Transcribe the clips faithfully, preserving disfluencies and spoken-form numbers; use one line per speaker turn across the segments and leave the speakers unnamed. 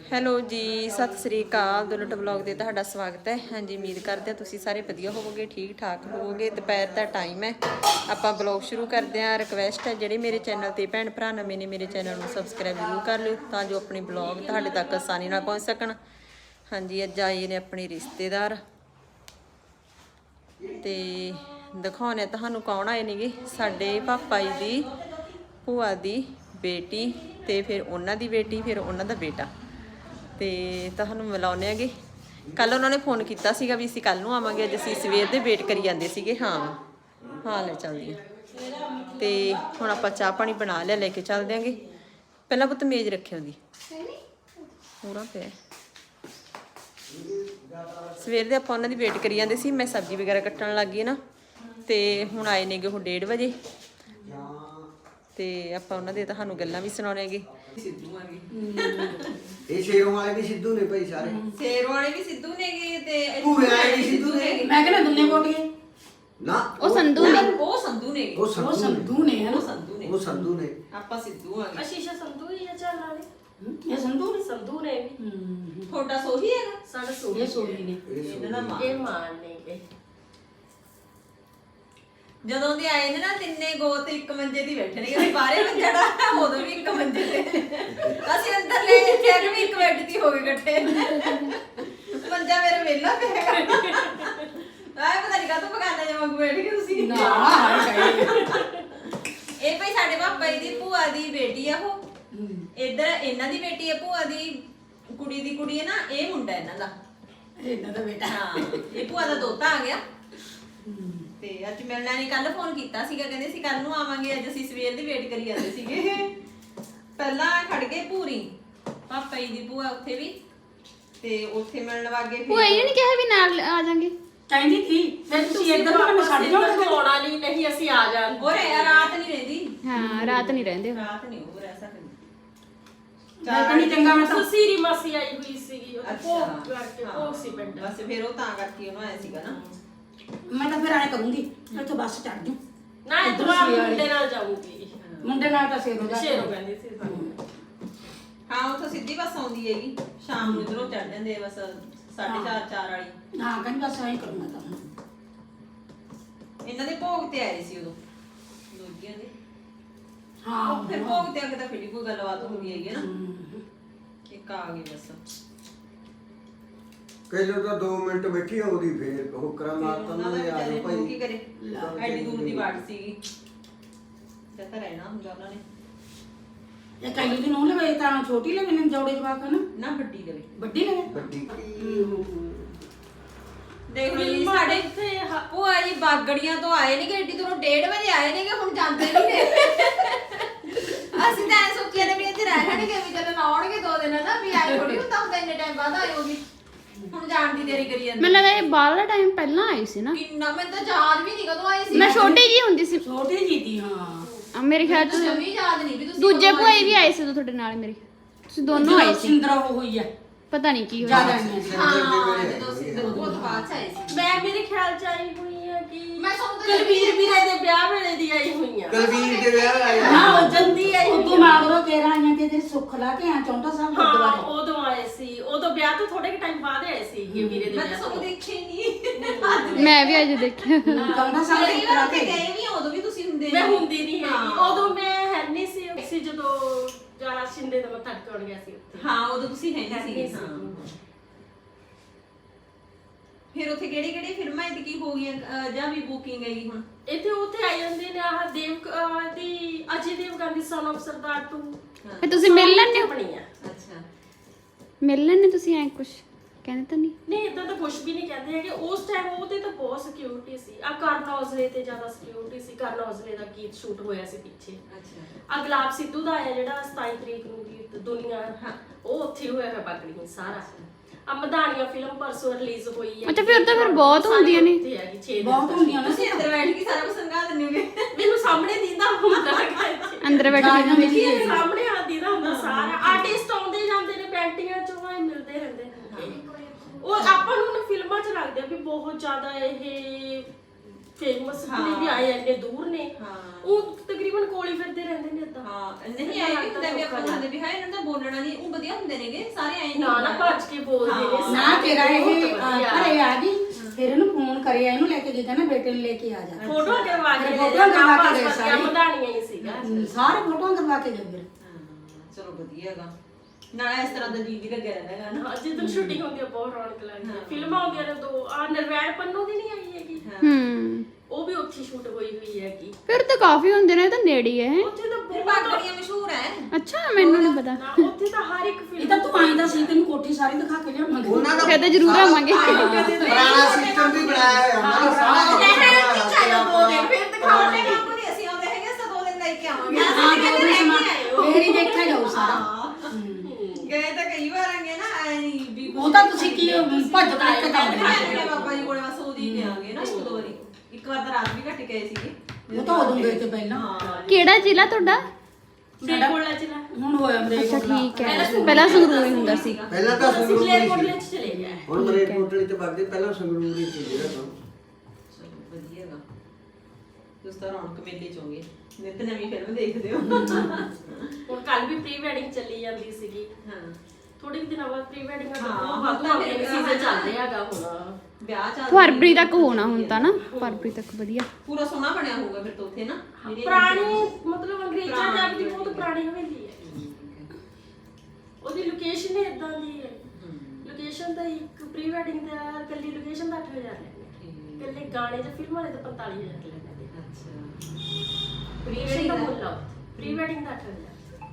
Hello ਜੀ, ਸਤਿ ਸ੍ਰੀ ਅਕਾਲ। ਦੁਲਟ blog ਦੇ ਤੁਹਾਡਾ ਸਵਾਗਤ ਹੈ। ਹਾਂਜੀ, ਉਮੀਦ ਕਰਦੇ ਹਾਂ ਤੁਸੀਂ ਸਾਰੇ ਵਧੀਆ ਹੋਵੋਗੇ, ਠੀਕ ਠਾਕ ਹੋਵੋਗੇ। ਦੁਪਹਿਰ ਦਾ ਟਾਈਮ ਹੈ, ਆਪਾਂ ਬਲੌਗ ਸ਼ੁਰੂ ਕਰਦੇ ਹਾਂ। ਰਿਕਵੈਸਟ ਹੈ ਜਿਹੜੇ ਮੇਰੇ ਚੈਨਲ ਤੇ ਭੈਣ ਭਰਾ ਨਵੇਂ ਨੇ, ਮੇਰੇ ਚੈਨਲ ਨੂੰ ਸਬਸਕ੍ਰਾਈਬ ਜ਼ਰੂਰ ਕਰ ਲਿਓ ਤਾਂ ਜੋ ਆਪਣੀ ਬਲੌਗ ਤੁਹਾਡੇ ਤੱਕ ਆਸਾਨੀ ਨਾਲ ਪਹੁੰਚ ਸਕਣ। ਹਾਂਜੀ, ਅੱਜ ਆਏ ਨੇ ਆਪਣੇ ਰਿਸ਼ਤੇਦਾਰ ਤੇ ਦਿਖਾਉਣੇ ਤੁਹਾਨੂੰ ਕੌਣ ਆਏ ਨੇਗੇ। ਸਾਡੇ ਪਾਪਾ ਜੀ ਦੀ ਭੂਆ ਦੀ ਬੇਟੀ ਤੇ ਫਿਰ ਉਹਨਾਂ ਦੀ ਬੇਟੀ, ਫਿਰ ਉਹਨਾਂ ਦਾ ਬੇਟਾ। ਤੇ ਤੁਹਾਨੂੰ ਮਿਲਾਉਂਦੇ ਹੈਗੇ। ਕੱਲ ਉਹਨਾਂ ਨੇ ਫੋਨ ਕੀਤਾ ਸੀਗਾ ਵੀ ਅਸੀਂ ਕੱਲ ਨੂੰ ਆਵਾਂਗੇ, ਅੱਜ ਅਸੀਂ ਸਵੇਰ ਦੇ ਵੇਟ ਕਰੀ ਜਾਂਦੇ ਸੀਗੇ। ਹਾਂ ਹਾਂ ਲੈ ਚੱਲਦੀ ਹਾਂ। ਤੇ ਹੁਣ ਆਪਾਂ ਚਾਹ ਪਾਣੀ ਬਣਾ ਲਿਆ, ਲੈ ਕੇ ਚੱਲ ਦਿਆਂਗੇ। ਪਹਿਲਾਂ ਪੁੱਤ ਮੇਜ਼ ਰੱਖਿਆ ਉਹਦੀ ਪੂਰਾ ਪਿਆ। ਸਵੇਰ ਦੇ ਆਪਾਂ ਉਹਨਾਂ ਦੀ ਵੇਟ ਕਰੀ ਜਾਂਦੇ ਸੀ। ਮੈਂ ਸਬਜ਼ੀ ਵਗੈਰਾ ਕੱਟਣ ਲੱਗ ਗਈ ਨਾ, ਤੇ ਹੁਣ ਆਏ ਨੇਗੇ ਉਹ ਡੇਢ ਵਜੇ। ਤੇ ਆਪਾਂ ਉਹਨਾਂ ਦੇ ਤੁਹਾਨੂੰ ਗੱਲਾਂ ਵੀ ਸੁਣਾਉਣੇ ਹੈਗੇ। ਸਿੱਧੂ ਆਗੇ
ਇਹ ਸ਼ੇਰੋਂ ਵਾਲੇ ਵੀ ਸਿੱਧੂ ਨੇ ਭਾਈ, ਸਾਰੇ
ਸ਼ੇਰੋਂ ਵਾਲੇ ਵੀ ਸਿੱਧੂ ਨੇਗੇ ਤੇ
ਭੂਏ ਵਾਲੇ ਵੀ ਸਿੱਧੂ ਨੇ।
ਮੈਂ ਕਹਿੰਦਾ ਦੁੰਨੇ ਕੋਟੀਏ
ਨਾ
ਉਹ ਸੰਧੂ ਨੇ, ਉਹ ਸੰਧੂ ਨੇ,
ਉਹ
ਉਹ
ਸੰਧੂ
ਸੰਧੂ ਨੇ
ਉਹ ਸੰਧੂ ਨੇ,
ਉਹ ਸੰਧੂ ਨੇ।
ਆਪਾਂ ਸਿੱਧੂ ਆਗੇ।
ਅਸ਼ੀਸ਼ਾ ਸੰਧੂ ਹੀ ਆ ਚੱਲ ਵਾਲੇ।
ਇਹ ਸੰਧੂ ਨੇ
ਸੰਧੂ ਨੇ ਵੀ
ਤੁਹਾਡਾ ਸੋਹੀ ਹੈਗਾ।
ਸਾਡਾ
ਇਹ
ਸੋਹੀ
ਸੋਹੀ ਨੇ।
ਇਹਨਾਂ ਦਾ ਮਾਂ।
ਇਹ ਮਾਨ ਨੇ ਗੇ।
ਜਦੋਂ ਦੇ ਆਏ ਨੇ ਨਾ ਤਿੰਨੇ ਗੋਤ ਇੱਕ ਮੰਜੇ ਦੀ ਬੈਠਣਗੇ। ਅਸੀਂ ਬਾਹਰੇ ਮੰਜੜਾ ਉਦੋਂ ਵੀ ਇੱਕ ਮੰਜੇ ਤੇ, ਅਸੀਂ ਅੰਦਰ ਲੈ ਫਿਰ ਵੀ ਇੱਕ ਬੈੱਡ ਦੀ ਹੋ ਗਏ ਇਕੱਠੇ। ਮੰਜਾ ਮੇਰਾ ਵਿਹਲਾ ਪਿਆ ਆਏ ਪਤਾ ਨਹੀਂ ਕਾਹਤੋਂ ਪਕਾਨਾ ਜਮਾ ਬੈਠ ਕੇ ਤੁਸੀਂ।
ਨਾ ਹਾਏ ਹਾਏ
ਇਹ ਭਾਈ ਸਾਡੇ ਪਾਪਾ ਜੀ ਦੀ ਭੂਆ ਦੀ ਬੇਟੀ ਆ। ਉਹ ਇੱਧਰ ਇਹਨਾਂ ਦੀ ਬੇਟੀ ਆ, ਭੂਆ ਦੀ ਕੁੜੀ ਦੀ ਕੁੜੀ ਹੈ ਨਾ, ਇਹ ਮੁੰਡਾ ਇਹਨਾਂ ਦਾ।
ਇਹਨਾਂ ਦਾ ਬੇਟਾ।
ਹਾਂ, ਇਹ ਭੂਆ ਦਾ ਦੋਤਾ ਆ ਗਿਆ। ਤੇ ਅੱਜ ਮਿਲਣਾ ਨਹੀਂ, ਕੱਲ ਫੋਨ ਕੀਤਾ ਸੀਗਾ, ਕਹਿੰਦੇ ਸੀ ਕੱਲ ਨੂੰ ਆਵਾਂਗੇ। ਅੱਜ ਅਸੀਂ ਸਵੇਰ ਦੀ ਵੇਟ ਕਰੀ ਜਾਂਦੇ ਸੀਗੇ। ਪਹਿਲਾਂ ਖੜ ਗਏ ਪੂਰੀ ਪਾਪਾ ਜੀ ਦੀ ਭੂਆ ਉੱਥੇ ਵੀ, ਤੇ ਉੱਥੇ ਮਿਲਣ ਵਾਗੇ।
ਭੂਆ ਜੀ ਨੇ ਕਿਹਾ ਵੀ ਨਾਲ ਆ ਜਾਾਂਗੇ,
ਕਹਿੰਦੀ ਸੀ ਫਿਰ ਤੁਸੀਂ ਇੱਧਰ ਮੈਨੂੰ ਛੱਡ ਜਾਓਗੇ।
ਆਉਣਾ ਨਹੀਂ, ਨਹੀਂ ਅਸੀਂ ਆ ਜਾਣ।
ਹੋਰ ਰਾਤ ਨਹੀਂ ਰਹਿੰਦੀ।
ਹਾਂ ਰਾਤ ਨਹੀਂ ਰਹਿੰਦੇ।
ਰਾਤ ਨਹੀਂ ਉਹ ਰਹਿ ਸਕਦੀ।
ਮੈਂ ਕਹਿੰਦੀ ਚੰਗਾ ਮੈਂ ਤਾਂ
ਸੁਸੀਰੀ ਮਾਸੀ ਆਈ ਹੋਈ ਸੀਗੀ। ਉਹ
ਅੱਛਾ।
ਭੋਗ ਕਰਕੇ ਭੋਗ ਸੀ ਪਿੰਡ।
ਬਸ ਫਿਰ ਉਹ ਤਾਂ ਕਰਕੇ ਉਹਨੂੰ ਆਇਆ ਸੀਗਾ ਨਾ।
ਮੈਂ ਤਾਂ ਫਿਰ ਆਏ ਕਰੂੰਗੀ, ਇੱਥੋਂ ਬੱਸ ਚੜ ਜੂ।
ਨਾ ਇਹ ਤਾਂ ਮੁੰਡੇ ਨਾਲ ਜਾਊਗੀ।
ਮੁੰਡੇ ਨਾਲ ਤਾਂ ਸੇਰੋ ਦਾ
ਸ਼ੇਰੋ ਕਹਿੰਦੀ ਸੀ ਸਾਨੂੰ।
ਹਾਂ ਉੱਥੋਂ ਸਿੱਧੀ ਬੱਸ ਆਉਂਦੀ ਹੈਗੀ, ਸ਼ਾਮ ਨੂੰ ਇਧਰੋਂ ਚੜ ਜਾਂਦੇ ਆ ਬਸ ਸਾਢੇ ਚਾਰ ਚਾਰ ਵਾਲੀ।
ਹਾਂ ਕਹਿੰਦੀ ਬਸ ਆਏ ਕਰੂੰਗਾ ਤਾਂ ਹੁਣ।
ਇਹਨਾਂ ਦੇ ਭੋਗ ਤੇ ਆਏ ਸੀ ਉਦੋਂ ਲੋਜੀਆਂ ਦੇ।
ਹਾਂ
ਫਿਰ ਭੋਗ ਤੇ ਅੱਗੇ ਤਾਂ ਫਿਰ ਕੋਈ ਗੱਲਬਾਤ ਹੁੰਦੀ ਹੈਗੀ ਨਾ। ਇੱਕ ਆ ਗਈ ਬਸ।
ਪਹਿਲਾਂ ਤਾਂ ਦੋ ਮਿੰਟ ਬੈਠੀ ਆਉਦੀ, ਫੇਰ ਹੁਕਰਾ ਮਾਰਤਾ ਉਹਨਾਂ ਨੇ, ਆ ਜਾਓ ਭਾਈ।
ਕੀ ਕਰੇ, ਐਡੀ ਦੂਰ ਦੀ ਬਾਟ ਸੀਗੀ, ਜਦ ਤਾਂ ਰਹਿਣਾ ਹੁੰਦਾ ਉਹਨਾਂ ਨੇ।
ਇਹ ਕਹਿੰਦੀ ਦੀ ਨੂੰ ਲਵੇ ਤਾਂ ਛੋਟੀ ਲਵੇ ਨੇ ਜੋੜੇ ਜਵਾਕ ਹਨ
ਨਾ ਵੱਡੀ ਲਵੇ,
ਵੱਡੀ ਲਵੇ
ਵੱਡੀ
ਦੇਖ ਲਓ ਜੀ। ਸਾਡੇ
ਇੱਥੇ
ਭੂਆ ਜੀ ਬਾਗੜੀਆਂ ਤੋਂ ਆਏ ਨੇ, ਐਡੀ ਦੂਰੋਂ ਡੇਢ ਵਜੇ ਆਏ ਨੇਗੇ, ਹੁਣ ਜਾਂਦੇ ਨਹੀਂ। ਅਸੀਂ ਤਾਂ ਐ ਸੋਚਿਆ ਨੇ ਵੀ ਇੱਥੇ ਰਹਿ ਲੈਣਗੇ, ਵੀ ਚਲੋ ਆਉਣਗੇ ਦੋ ਦਿਨ ਨਾ, ਵੀ ਆਏ ਥੋੜੀ ਹੁੰਦਾ ਹੁੰਦਾ ਇੰਨੇ ਟਾਈਮ ਬਾਅਦ ਆਏ ਹੋਗੀ। ਹੁਣ ਜਾਣ ਦੀ ਤਿਆਰੀ ਕਰੀ ਜਾਂਦੇ।
ਮੈਨੂੰ ਲੱਗਦਾ ਇਹ ਬਾਹਰਲਾ ਟਾਈਮ ਪਹਿਲਾਂ ਆਈ ਸੀ ਨਾ।
ਕਿੰਨਾ, ਮੈਨੂੰ ਤਾਂ ਯਾਦ ਵੀ ਨਹੀਂ ਕਦੋਂ ਆਏ ਸੀ।
ਮੈਂ ਛੋਟੀ ਜੀ ਹੁੰਦੀ ਸੀ।
ਛੋਟੀ ਜੀ ਦੀ। ਹਾਂ
ਆ ਮੇਰੇ ਖਿਆਲ ਚ
ਜਮੀ ਯਾਦ ਨਹੀਂ ਵੀ ਤੁਸੀਂ
ਦੂਜੇ ਭੂਆ ਜੀ ਵੀ ਆਏ ਸੀ ਤੁਹਾਡੇ ਨਾਲ ਮੇਰੇ। ਤੁਸੀਂ ਦੋਨੋਂ ਆਏ ਸੀ,
ਸਿੰਦਰਾ ਉਹ ਹੋਈ ਆ
ਪਤਾ ਨਹੀਂ ਕੀ ਹੋਇਆ।
ਜ਼ਿਆਦਾ ਨਹੀਂ
ਹਾਂ ਜਦੋਂ ਸਿੱਧੂ ਬਹੁਤ ਬਾਅਦ ਚ ਆਏ ਸੀ।
ਮੈਂ ਮੇਰੇ ਖਿਆਲ ਚ ਆਈ ਹੋਈ ਆ ਕਿ
ਮੈਂ ਤੁਹਾਨੂੰ ਤਾਂ
ਕੁਲਵੀਰ ਵੀਰੇ ਦੇ ਵਿਆਹ ਵੇਲੇ ਦੀ ਆਈ ਹੋਈ ਆ।
ਕੁਲਵੀਰ ਦੇ ਵਿਆਹ ਆਇਆ।
ਹਾਂ ਉਹ ਜਲਦੀ ਆਈ
ਉਦੋਂ ਮਾਗਰੋਂ ਕੇਰਾ ਆਈਆਂ ਤੇ ਤੇਰੇ ਸੁੱਖ ਲਾ ਕੇ ਆ ਚੌਂਟਾ ਸਾਹਿਬ
ਹਾਂ
ਗੁਰਦੁਆਰੇ।
ਉਦੋਂ ਆਏ ਸੀ, ਉਦੋਂ ਵਿਆਹ ਤੋਂ ਥੋੜੇ ਟਾਈਮ ਬਾਅਦ ਆਏ ਸੀ ਕਿ ਵੀਰੇ ਦੇ
ਮੈਂ
ਵਿਆਹ
ਤਾਂ ਸਭ
ਤੋਂ।
ਦੇਖੇ ਨਹੀਂ।
ਮੈਂ ਵੀ ਅੱਜ ਦੇਖਿਆ।
ਚੌਂਟਾ ਸਾਹਿਬ
ਕਈ
ਕਰਾ
ਵਾਰ
ਕੇ
ਤੇ ਗਏ ਵੀ, ਉਦੋਂ ਵੀ ਤੁਸੀਂ ਹੁੰਦੇ
ਮੈਂ
ਨੀ।
ਹੁੰਦੀ ਨਹੀਂ ਹੈਗੀ,
ਹਾਂ।
ਉਦੋਂ ਮੈਂ ਹੈ ਨਹੀਂ ਸੀ ਸੀ ਜਦੋਂ ਜਾਣਾ ਸ਼ਿੰਦੇ ਦਾ ਮੱਥਾ ਟੇਕਣ ਗਿਆ ਸੀ ਉੱਥੇ।
ਹਾਂ ਉਦੋਂ ਤੁਸੀਂ ਹੈ
ਹੈ
ਨਹੀਂ
ਨਹੀਂ
ਸੀ।
ਸੀ।
ਹਾਂ ਫਿਰ ਉੱਥੇ ਕਿਹੜੀ ਕਿਹੜੀ ਫਿਲਮਾਂ ਇਹਦੀ ਕੀ ਹੋ ਗਈਆਂ, ਅਹ, ਜਾਂ ਵੀ ਬੁਕਿੰਗ ਹੈਗੀ ਹੁਣ?
ਇੱਥੇ ਉੱਥੇ ਆ ਜਾਂਦੇ ਨੇ ਆਹ ਦੇਵ ਅਹ ਦੀ ਅਜੇ ਦੇਵਗਨ ਦੀ ਸਨ ਆਫ ਸਰਦਾਰ ਟੂ।
ਫਿਰ ਤੁਸੀਂ ਮਿਲ ਲੈਣੇ ਹੋ?
ਬਣੀ ਆ।
ਅੱਛਾ।
ਮਿਲ ਲੈਣੇ ਤੁਸੀਂ ਐ ਕੁਛ ਕਹਿੰਦੇ ਤਾਂ ਨਹੀਂ?
ਨਹੀਂ ਇਦਾਂ ਤਾਂ ਕੁਝ ਵੀ ਨਹੀਂ ਕਹਿੰਦੇ ਹੈਗੇ। ਉਸ ਟਾਈਮ ਉਹਦੇ ਤਾਂ ਬਹੁਤ ਸਿਕਿਉਰਿਟੀ ਸੀ। ਆ ਕਰਨ ਔਜਲੇ ਤੇ ਜ਼ਿਆਦਾ ਸਿਕਿਉਰਿਟੀ ਸੀ। ਕਰਨ ਔਜਲੇ ਦਾ ਗੀਤ ਸ਼ੂਟ ਹੋਇਆ ਸੀ ਪਿੱਛੇ।
ਅੱਛਾ।
ਆ ਗੁਲਾਬ ਸਿੱਧੂ ਦਾ ਆਇਆ ਜਿਹੜਾ ਸਤਾਈ ਤਰੀਕ ਨੂੰ ਗੀਤ ਦੁਨੀਆ, ਉਹ ਉੱਥੇ ਹੋਇਆ ਹੈ ਬਾਗੜੀ ਸਾਰਾ। ਆ ਮਧਾਨੀਆਂ ਫਿਲਮ ਪਰਸੋਂ ਰਿਲੀਜ਼ ਹੋਈ ਹੈ।
ਅੱਛਾ ਫਿਰ ਤਾਂ ਫਿਰ ਬਹੁਤ ਹੁੰਦੀਆਂ ਨੇ।
ਉੱਥੇ ਹੈਗੀ ਛੇ ਦਿਨ
ਬਹੁਤ ਹੁੰਦੀਆਂ ਨੇ।
ਤੁਸੀਂ ਅੰਦਰ ਬੈਠ ਕੇ ਸਾਰਾ ਕੁਝ ਸੰਗਾ ਦਿੰਦੇ ਹੋਗੇ।
ਮੈਨੂੰ ਸਾਹਮਣੇ ਦੀਦਾ ਹੁੰਦਾ ਹੈਗਾ।
ਅੰਦਰ ਬੈਠ
ਗਾਣਾ
ਕੇ
ਮਿਲੀ
ਮੇਰੇ ਸਾਹਮਣੇ ਆ ਦੀਦਾ ਹੁੰਦਾ ਸਾਰਾ। ਆਰਟਿਸਟ ਆਉਂਦੇ ਜਾਂਦੇ ਨੇ, ਪੈਂਟਿੰਗਾਂ ਚੋਂ ਆਏ ਮਿਲਦੇ ਰਹਿੰਦੇ ਨੇ। ਉਹ ਆਪਾਂ ਨੂੰ ਨਾ ਫਿਲਮਾਂ 'ਚ ਲੱਗਦੇ ਆ ਵੀ ਬਹੁਤ ਜ਼ਿਆਦਾ ਇਹ ਫੇਮਸ ਨੇ, ਵੀ ਆਏ ਇੰਨੇ ਦੂਰ ਨੇ।
ਹਾਂ
ਉਹ ਤਕਰੀਬਨ ਕੋਲ ਹੀ ਫਿਰਦੇ ਰਹਿੰਦੇ ਨੇ ਏਦਾਂ।
ਹਾਂ ਨਹੀਂ ਆਏ ਵੀ ਹੁੰਦੇ ਵੀ ਆਪਾਂ ਨੂੰ ਹੁੰਦੇ ਵੀ ਹੈ ਇਹਨਾਂ ਦਾ ਬੋਲਣਾ ਨਹੀਂ ਉਹ ਵਧੀਆ ਹੁੰਦੇ ਨੇਗੇ ਸਾਰੇ ਐਂ
ਨਾ ਨਾ ਭੱਜ ਕੇ ਬੋਲਦੇ ਨੇ
ਨਾ ਤੇਰਾ ਇਹ
ਬਹੁਤ
ਅਹ,
ਵਧੀਆ।
ਘਰੇ ਆ ਗਈ ਫਿਰ ਇਹਨੂੰ ਫੋਨ ਕਰਿਆ ਇਹਨੂੰ ਲੈ ਕੇ ਗਈ ਕਹਿੰਦਾ ਬੇਟੇ ਨੂੰ ਲੈ ਕੇ ਆ ਜਾ
ਫੋਟੋ ਕਰਵਾ ਕੇ
ਫੋਟੋਆਂ ਕਰਵਾ ਕੇ ਗਏ
ਸਾਰੇ
ਸਾਰੇ।
ਮਧਾਣੀਆਂ ਹੀ ਸੀਗਾ
ਸਾਰੇ ਫੋਟੋਆਂ ਕਰਵਾ ਕੇ ਗਏ ਫਿਰ
ਚਲੋ ਵਧੀਆ ਹੈਗਾ ਨਾਲੇ ਇਸ ਤਰ੍ਹਾਂ ਦਾ ਜੀ ਵੀ ਲੱਗਿਆ ਰਹਿੰਦਾ ਹੈਗਾ ਨਾ
ਹਾਂ ਜਦੋਂ ਸ਼ੂਟਿੰਗ ਹੁੰਦੀ ਆ ਬਹੁਤ ਰੌਣਕ ਲੱਗਦੀ ਹੈ ਫਿਲਮਾਂ ਹੁੰਦੀਆਂ ਨੇ ਦੋ ਆ ਨਰਵੈਣ ਪੰਨੂ ਦੀ ਨਹੀਂ ਆਈ ਹੈਗੀ
ਹੂੰ
ਉਹ ਵੀ ਉੱਥੇ ਸ਼ੂਟ ਹੋਈ ਹੋਈ ਹੈਗੀ
ਫਿਰ ਤਾਂ ਕਾਫੀ ਹੁੰਦੇ ਨੇ ਇਹ ਤਾਂ ਨੇੜੇ ਹੀ ਹੈ
ਉੱਥੇ ਤਾਂ
ਫਿਰ
ਬਹੁਤ
ਬਾਗੜੀਆਂ ਮਸ਼ਹੂਰ ਹੈ
ਅੱਛਾ ਮੈਨੂੰ ਨਹੀਂ ਪਤਾ
ਨਾ ਉੱਥੇ ਤਾਂ ਹਰ ਇੱਕ
ਇਹ
ਫਿਲਮ
ਤਾਂ ਤੂੰ ਆਈਂਦਾ ਸੀ ਤੈਨੂੰ ਕੋਠੀ ਸਾਰੀ ਦਿਖਾ ਕੇ ਲਿਆਵਾਂਗੇ
ਉਹਨਾਂ ਦਾ
ਫਿਰ ਤਾਂ ਜ਼ਰੂਰ ਆਵਾਂਗੇ
ਪੁਰਾਣਾ ਸਿਸਟਮ ਵੀ ਬਣਾਇਆ ਹੋਇਆ ਉਹਨਾਂ ਦਾ ਸਾਰਾ
ਦੋ ਦਿਨ ਫਿਰ ਦਿਖਾਉਣੇ ਕੰਮ ਨਹੀਂ ਅਸੀਂ ਆਉਂਦੇ ਹੈਗੇ ਸਾ ਦੋ ਦਿਨ ਲੈ ਕੇ ਆਵਾਂਗੇ
ਹਾਂ ਦੋ ਦਿਨ ਸਮਾਂ ਫੇਰ ਹੀ ਦੇਖਿਆ ਜਾਊ ਸਾਰਾ
ਗਏ ਤਾਂ ਕਈ ਵਾਰ ਆਂਗੇ ਨਾ ਐ ਨਹੀਂ ਵੀ
ਉਹ ਤਾਂ ਤੁਸੀਂ ਕੀ ਭੱਜ ਕੇ ਇੱਕ ਕੰਮ
ਦਿਖਾਏ ਬਾਬਾ ਜੀ ਕੋਲੇ ਬਸ ਉਹਦੀ ਗਏ ਆਂਗੇ ਨਾ ਇੱਕ ਦੋ ਵਾਰੀ ਇੱਕ ਵਾਰ ਤਾਂ ਰਾਤ ਵੀ ਘੱਟ ਗਏ ਸੀਗੇ
ਉਹ ਤਾਂ ਉਦੋਂ ਗਏ ਤੇ ਪਹਿਲਾਂ
ਹਾਂ
ਕਿਹੜਾ ਜ਼ਿਲ੍ਹਾ ਤੁਹਾਡਾ
ਸਾਡਾ ਕੋਲਾ ਚ ਨਾ
ਹੁਣ ਹੋਇਆ ਮੇਰੇ
ਅੱਛਾ ਠੀਕ ਹੈ ਪਹਿਲਾਂ ਸੰਗਰੂਰ ਹੀ ਹੁੰਦਾ ਸੀ
ਪਹਿਲਾਂ ਤਾਂ
ਅਸੀਂ
ਸੰਗਰੂਰ
ਪਲੇਅਰ
ਹੀ
ਕੋਟਲੇ
ਸੀ
ਚ ਚਲੇ ਗਏ
ਹੁਣ ਮਰੇਟ ਕੋਟਲੀ ਤੇ ਵਗਦੇ ਪਹਿਲਾਂ ਸੰਗਰੂਰ ਹੀ ਸੀ ਜਿਹੜਾ ਤੋਂ
ਚਲੋ ਵਧੀਆ ਗਾ ਤੁਸੀਂ ਤਾਂ ਰੌਣਕ ਮੇਲੇ ਚ ਹੋਗੇ ਨਿਤ ਨਵੀਂ ਫਿਲਮ ਦੇਖਦੇ ਹੋ
ਹੁਣ ਕੱਲ ਵੀ ਪ੍ਰੀ ਵੈਡਿੰਗ ਚੱਲੀ ਜਾਂਦੀ ਸੀਗੀ
ਹਾਂ
ਥੋੜੇ ਦਿਨਾਂ ਬਾਅਦ ਪ੍ਰੀ ਵੈਡਿੰਗ ਦਾ
ਹਾਂ,
ਬਹੁਤ ਵੱਧ
ਤਾਂ
ਹੋ ਗਿਆ
ਫਿਰ
ਸੀਜ਼ਨ ਚੱਲ ਰਿਹਾ ਹੈਗਾ ਹੁਣ
ਵਿਆਹ ਚੱਲ
ਫਰਵਰੀ ਤੱਕ ਹੋਣਾ ਹੁਣ ਤਾਂ ਨਾ ਫਰਵਰੀ ਤੱਕ ਵਧੀਆ
ਪੂਰਾ ਸੋਹਣਾ ਬਣਿਆ ਹੋਊਗਾ ਫਿਰ ਤਾਂ ਉੱਥੇ ਨਾ ਜਿਹੜੀ-
ਪੁਰਾਣੀ ਮਤਲਬ ਅੰਗਰੇਜ਼ਾਂ
ਪੁਰਾਣੀ
ਟਾਈਮ ਦੀ ਬਹੁਤ ਪੁਰਾਣੀ ਹਵੇਲੀ ਹੈ ਉਹਦੀ ਲੋਕੇਸ਼ਨ ਹੀ ਇਦਾਂ ਦੀ ਹੈ ਲੋਕੇਸ਼ਨ ਦਾ ਇੱਕ ਪ੍ਰੀ ਵੈਡਿੰਗ ਦਾ ਕੱਲੀ ਲੋਕੇਸ਼ਨ ਦਾ ਅੱਠ ਹਜ਼ਾਰ ਲੈਂਦੇ ਕੱਲੇ ਗਾਣੇ ਜਾਂ ਫਿਲਮਾਂ ਦੇ ਤਾਂ ਪੰਤਾਲੀ ਹਜ਼ਾਰ ਲੈਂਦੇ
ਅੱਛਾ
ਪ੍ਰੀ ਵੈਡਿੰਗ ਦਾ ਮੁੱਲ ਆ ਪ੍ਰੀ ਵੈਡਿੰਗ ਦਾ ਅੱਠ ਹਜ਼ਾਰ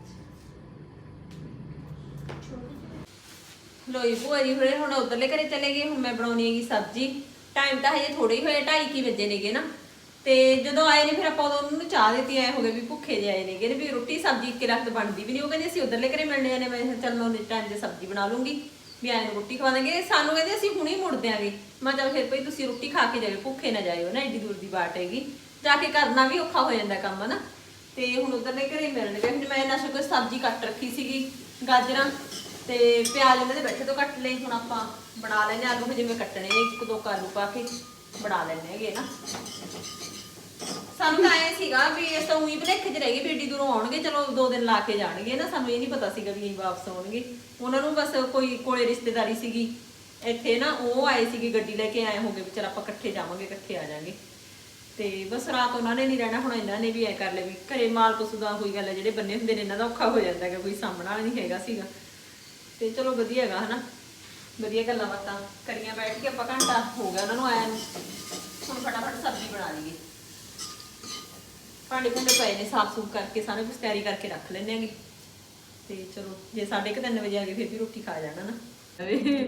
ਲੋਈ ਭੂਆ ਜੀ ਹੋਰੇ ਹੁਣ ਉਧਰਲੇ ਘਰੇ ਚਲੇ ਗਏ ਹੁਣ ਮੈਂ ਬਣਾਉਣੀ ਹੈਗੀ ਸਬਜ਼ੀ ਟਾਈਮ ਤਾਂ ਹਜੇ ਥੋੜੇ ਹੀ ਹੋਏ ਢਾਈ ਕੀ ਵਜੇ ਨੇਗੇ ਨਾ ਤੇ ਜਦੋਂ ਆਏ ਨੇ ਫਿਰ ਆਪਾਂ ਉਦੋਂ ਉਹਨਾਂ ਨੂੰ ਚਾਹ ਦਿੱਤੀ ਐ ਹੋ ਗਏ ਵੀ ਭੁੱਖੇ ਜਿਹੇ ਆਏ ਨੇਗੇ ਵੀ ਰੋਟੀ ਸਬਜ਼ੀ ਇੱਕ ਲੱਖ ਬਣਦੀ ਵੀ ਨਹੀਂ ਉਹ ਕਹਿੰਦੇ ਅਸੀਂ ਉਧਰਲੇ ਘਰੇ ਮਿਲਣੇ ਨੇ ਮੈਂ ਕਿਹਾ ਚੱਲ ਮੈਂ ਉਹਦੇ ਟਾਈਮ ਤੇ ਸਬਜ਼ੀ ਬਣਾ ਲੂੰਗੀ ਵੀ ਆਏ ਨੂੰ ਰੋਟੀ ਖਵਾ ਦਾਂਗੇ ਸਾਨੂੰ ਕਹਿੰਦੇ ਅਸੀਂ ਹੁਣੇ ਹੀ ਮੁੜ ਦਿਆਂਗੇ ਮੈਂ ਚੱਲ ਫਿਰ ਭਈ ਤੁਸੀਂ ਰੋਟੀ ਖਾ ਕੇ ਜਾਇਓ ਭੁੱਖੇ ਨਾ ਜਾਇਓ ਨਾ ਏਡੀ ਦੂਰ ਦੀ ਬਾਟ ਹੈਗੀ ਜਾ ਕੇ ਕਰਨਾ ਵੀ ਔਖਾ ਹੋ ਜਾਂਦਾ ਕੰਮ ਨਾ ਤੇ ਹੁਣ ਉਧਰਲੇ ਘਰੇ ਮਿਲਣਗੇ ਹੁਣ ਮੈਂ ਇਹਨਾਂ ਕੋਈ ਸਬਜ਼ੀ ਕੱਟ ਰੱਖੀ ਸੀਗੀ ਗਾਜਰਾਂ ਤੇ ਪਿਆਜ਼ ਇਹਨਾਂ ਦੇ ਬੈਠੇ ਤੋਂ ਕੱਟ ਲਏ ਹੁਣ ਆਪਾਂ ਬਣਾ ਲੈਣੇ ਆਲੂ ਜਿਵੇਂ ਕੱਟਣੇ ਨੇ ਇੱਕ ਦੋ ਆਲੂ ਪਾ ਕੇ ਬਣਾ ਲੈਣੇ ਹੈਗੇ ਨਾ ਸਾਨੂੰ ਤਾਂ ਐ ਸੀਗਾ ਵੀ ਇਸ ਤਾਂ ਉਹੀ ਭਲੇਖ 'ਚ ਰਹਿ ਗਈ ਵੀ ਏਡੀ ਦੂਰੋਂ ਆਉਣਗੇ ਚਲੋ ਦੋ ਦਿਨ ਲਾ ਕੇ ਜਾਣਗੇ ਨਾ ਸਾਨੂੰ ਇਹ ਨਹੀਂ ਪਤਾ ਸੀਗਾ ਵੀ ਇਹ ਵਾਪਸ ਆਉਣਗੇ ਉਹਨਾਂ ਨੂੰ ਬਸ ਕੋਈ ਕੋਲੇ ਰਿਸ਼ਤੇਦਾਰੀ ਸੀਗੀ ਇੱਥੇ ਨਾ ਉਹ ਆਏ ਸੀਗੇ ਗੱਡੀ ਲੈ ਕੇ ਆਏ ਹੋਗੇ ਵੀ ਚਲ ਆਪਾਂ ਇਕੱਠੇ ਜਾਵਾਂਗੇ ਇਕੱਠੇ ਆ ਜਾਾਂਗੇ ਤੇ ਬਸ ਰਾਤ ਉਹਨਾਂ ਨੇ ਨਹੀਂ ਰਹਿਣਾ ਹੁਣ ਇਹਨਾਂ ਨੇ ਵੀ ਐ ਕਰ ਲਿਆ ਵੀ ਘਰੇ ਮਾਲ ਪਸ਼ੂ ਦਾ ਹੋਈ ਗੱਲ ਹੈ ਜਿਹੜੇ ਬੰਨੇ ਹੁੰਦੇ ਨੇ ਇਹਨਾਂ ਦਾ ਔਖਾ ਹੋ ਜਾਂਦਾ ਹੈਗਾ ਕੋਈ ਸਾਹਮਣਾ ਵਾਲਾ ਨਹੀਂ ਹੈਗਾ ਸੀਗਾ ਤੇ ਚਲੋ ਵਧੀਆ ਹੈਗਾ ਹਨਾ ਵਧੀਆ ਗੱਲਾਂ ਬਾਤਾਂ ਕਰੀਆਂ ਬੈਠ ਕੇ ਆਪਾਂ ਘੰਟਾ ਹੋ ਗਿਆ ਉਹਨਾਂ ਨੂੰ ਆਇਆ ਨੂੰ ਹੁਣ ਫਟਾਫਟ ਸਬਜ਼ੀ ਬਣਾ ਲਈਏ ਭਾਂਡੇ ਭੁੰਡੇ ਪਏ ਨੇ ਸਾਫ਼ ਸੂਫ ਕਰਕੇ ਸਾਰਾ ਕੁਝ ਤਿਆਰੀ ਕਰਕੇ ਰੱਖ ਲੈਣੇ ਆਂਗੇ ਤੇ ਚਲੋ ਜੇ ਸਾਢੇ ਕੁ ਤਿੰਨ ਵਜੇ ਆ ਗਏ ਫਿਰ ਵੀ ਰੋਟੀ ਖਾ ਜਾਣਾ ਨਾ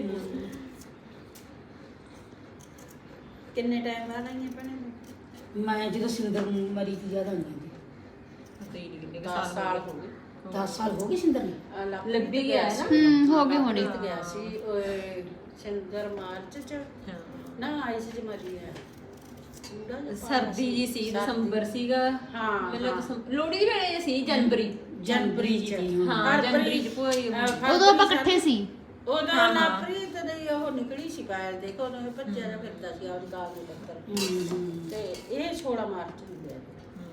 ਕਿੰਨੇ ਟਾਈਮ ਬਾਅਦ ਆਈਆਂ ਭੈਣੇ
ਮੈਂ ਜਦੋਂ ਸਿੰਦਰ ਮਰੀ ਤੀ ਜ਼ਿਆਦਾ ਨਹੀਂ ਜਾਂਦੀ
ਪਤਾ ਹੀ ਨਹੀਂ ਕਿੰਨੇ ਕੁ
ਦਸ ਸਾਲ ਹੋ ਗਏ
ਦਸ ਸਾਲ ਹੋ ਗਏ ਸਿੰਦਰ ਨੂੰ
ਆ ਲੱਭ
ਲੱਭੀ ਗਿਆ ਹੈ ਨਾ
ਹੂੰ ਹੋ ਗਏ ਹੋਣੇ
ਪ੍ਰੀਤ ਗਿਆ ਸੀ ਓਏ ਸਿੰਦਰ ਮਾਰਚ ਚ ਨਾ ਆਈ ਸੀ ਜਮਰੀ ਹੈ ਪੂਰਾ ਜਿਹਾ
ਸਰਦੀ ਜੀ ਸੀ ਦਸੰਬਰ ਸੀਗਾ
ਹਾਂ,
ਮੈਨੂੰ ਦਸੰਬਰ ਲੋਹੜੀ ਦੇ ਵੇਲੇ ਸੀ ਜਨਵਰੀ
ਜਨਵਰੀ ਚ
ਹਾਂ ਜਨਵਰੀ ਚ ਭੋਈ
ਉਦੋਂ ਆਪਾਂ ਇਕੱਠੇ ਸੀ
ਉਹਦਾ ਨਾ ਪ੍ਰੀਤ ਦੀ ਉਹ ਨਿਕਲੀ ਸੀ ਪਾਇਲ ਦੇਖੋ ਉਹਨੇ ਭੱਜਿਆ ਜਿਹਾ ਫਿਰਦਾ ਸੀ ਆਪਦੀ ਗਾਲ ਦੇ ਟੱਕਰ ਤੇ ਇਹ ਸੋਲਾਂ ਮਾਰਚ ਨੂੰ ਗਿਆ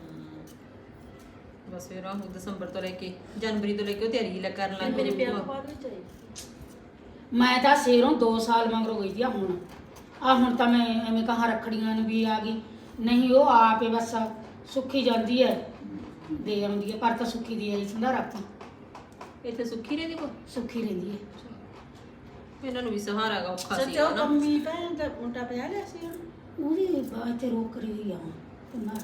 ਬਸ ਫਿਰ ਉਹ ਦਸੰਬਰ ਤੋਂ ਲੈ ਕੇ ਜਨਵਰੀ ਤੋਂ ਲੈ ਕੇ ਉਹ ਤਿਆਰੀ ਲੱਗ ਕਰਨ ਲੱਗ
ਮੇਰੇ
ਗਈ
ਵਿਆਹ ਤੋਂ ਬਾਅਦ ਵਿੱਚ ਆਈ
ਮੈਂ ਤਾਂ ਸ਼ੇਰੋਂ ਦੋ ਸਾਲ ਮਗਰੋਂ ਗਈ ਸੀ ਆ ਹੁਣ ਆ ਹੁਣ ਤਾਂ ਮੈਂ ਐਵੇਂ ਕਹਾਂ ਰੱਖੜੀਆਂ ਨੂੰ ਵੀ ਆ ਗਈ ਨਹੀਂ ਉਹ ਆਪੇ ਬਸ ਸੁੱਖੀ ਜਾਂਦੀ ਹੈ ਦੇ ਆਉਂਦੀ ਹੈ ਪਰ ਤਾਂ ਸੁੱਖੀ ਦੀ ਆਈ ਸੰਧਾਰਾ ਆਪਾਂ
ਇੱਥੇ ਸੁੱਖੀ ਰਹਿੰਦੀ ਕੋ
ਸੁੱਖੀ ਰਹਿੰਦੀ ਹੈ
ਇਹਨਾਂ ਨੂੰ ਵੀ ਸਹਾਰਾ ਗਾ ਔਖਾ ਸੀ
ਸੱਚੋ
ਨਾ
ਕੰਮੀ ਭੈਣ ਦਾ ਮੁੰਡਾ ਪਿਆ ਲਿਆ ਸੀ ਉਹਨੂੰ।
ਉਹਦੀ ਬਾਤ ਤੇ ਰੋਕ ਰਹੀ ਹੋਈ ਆ ਕੁਮਾਰ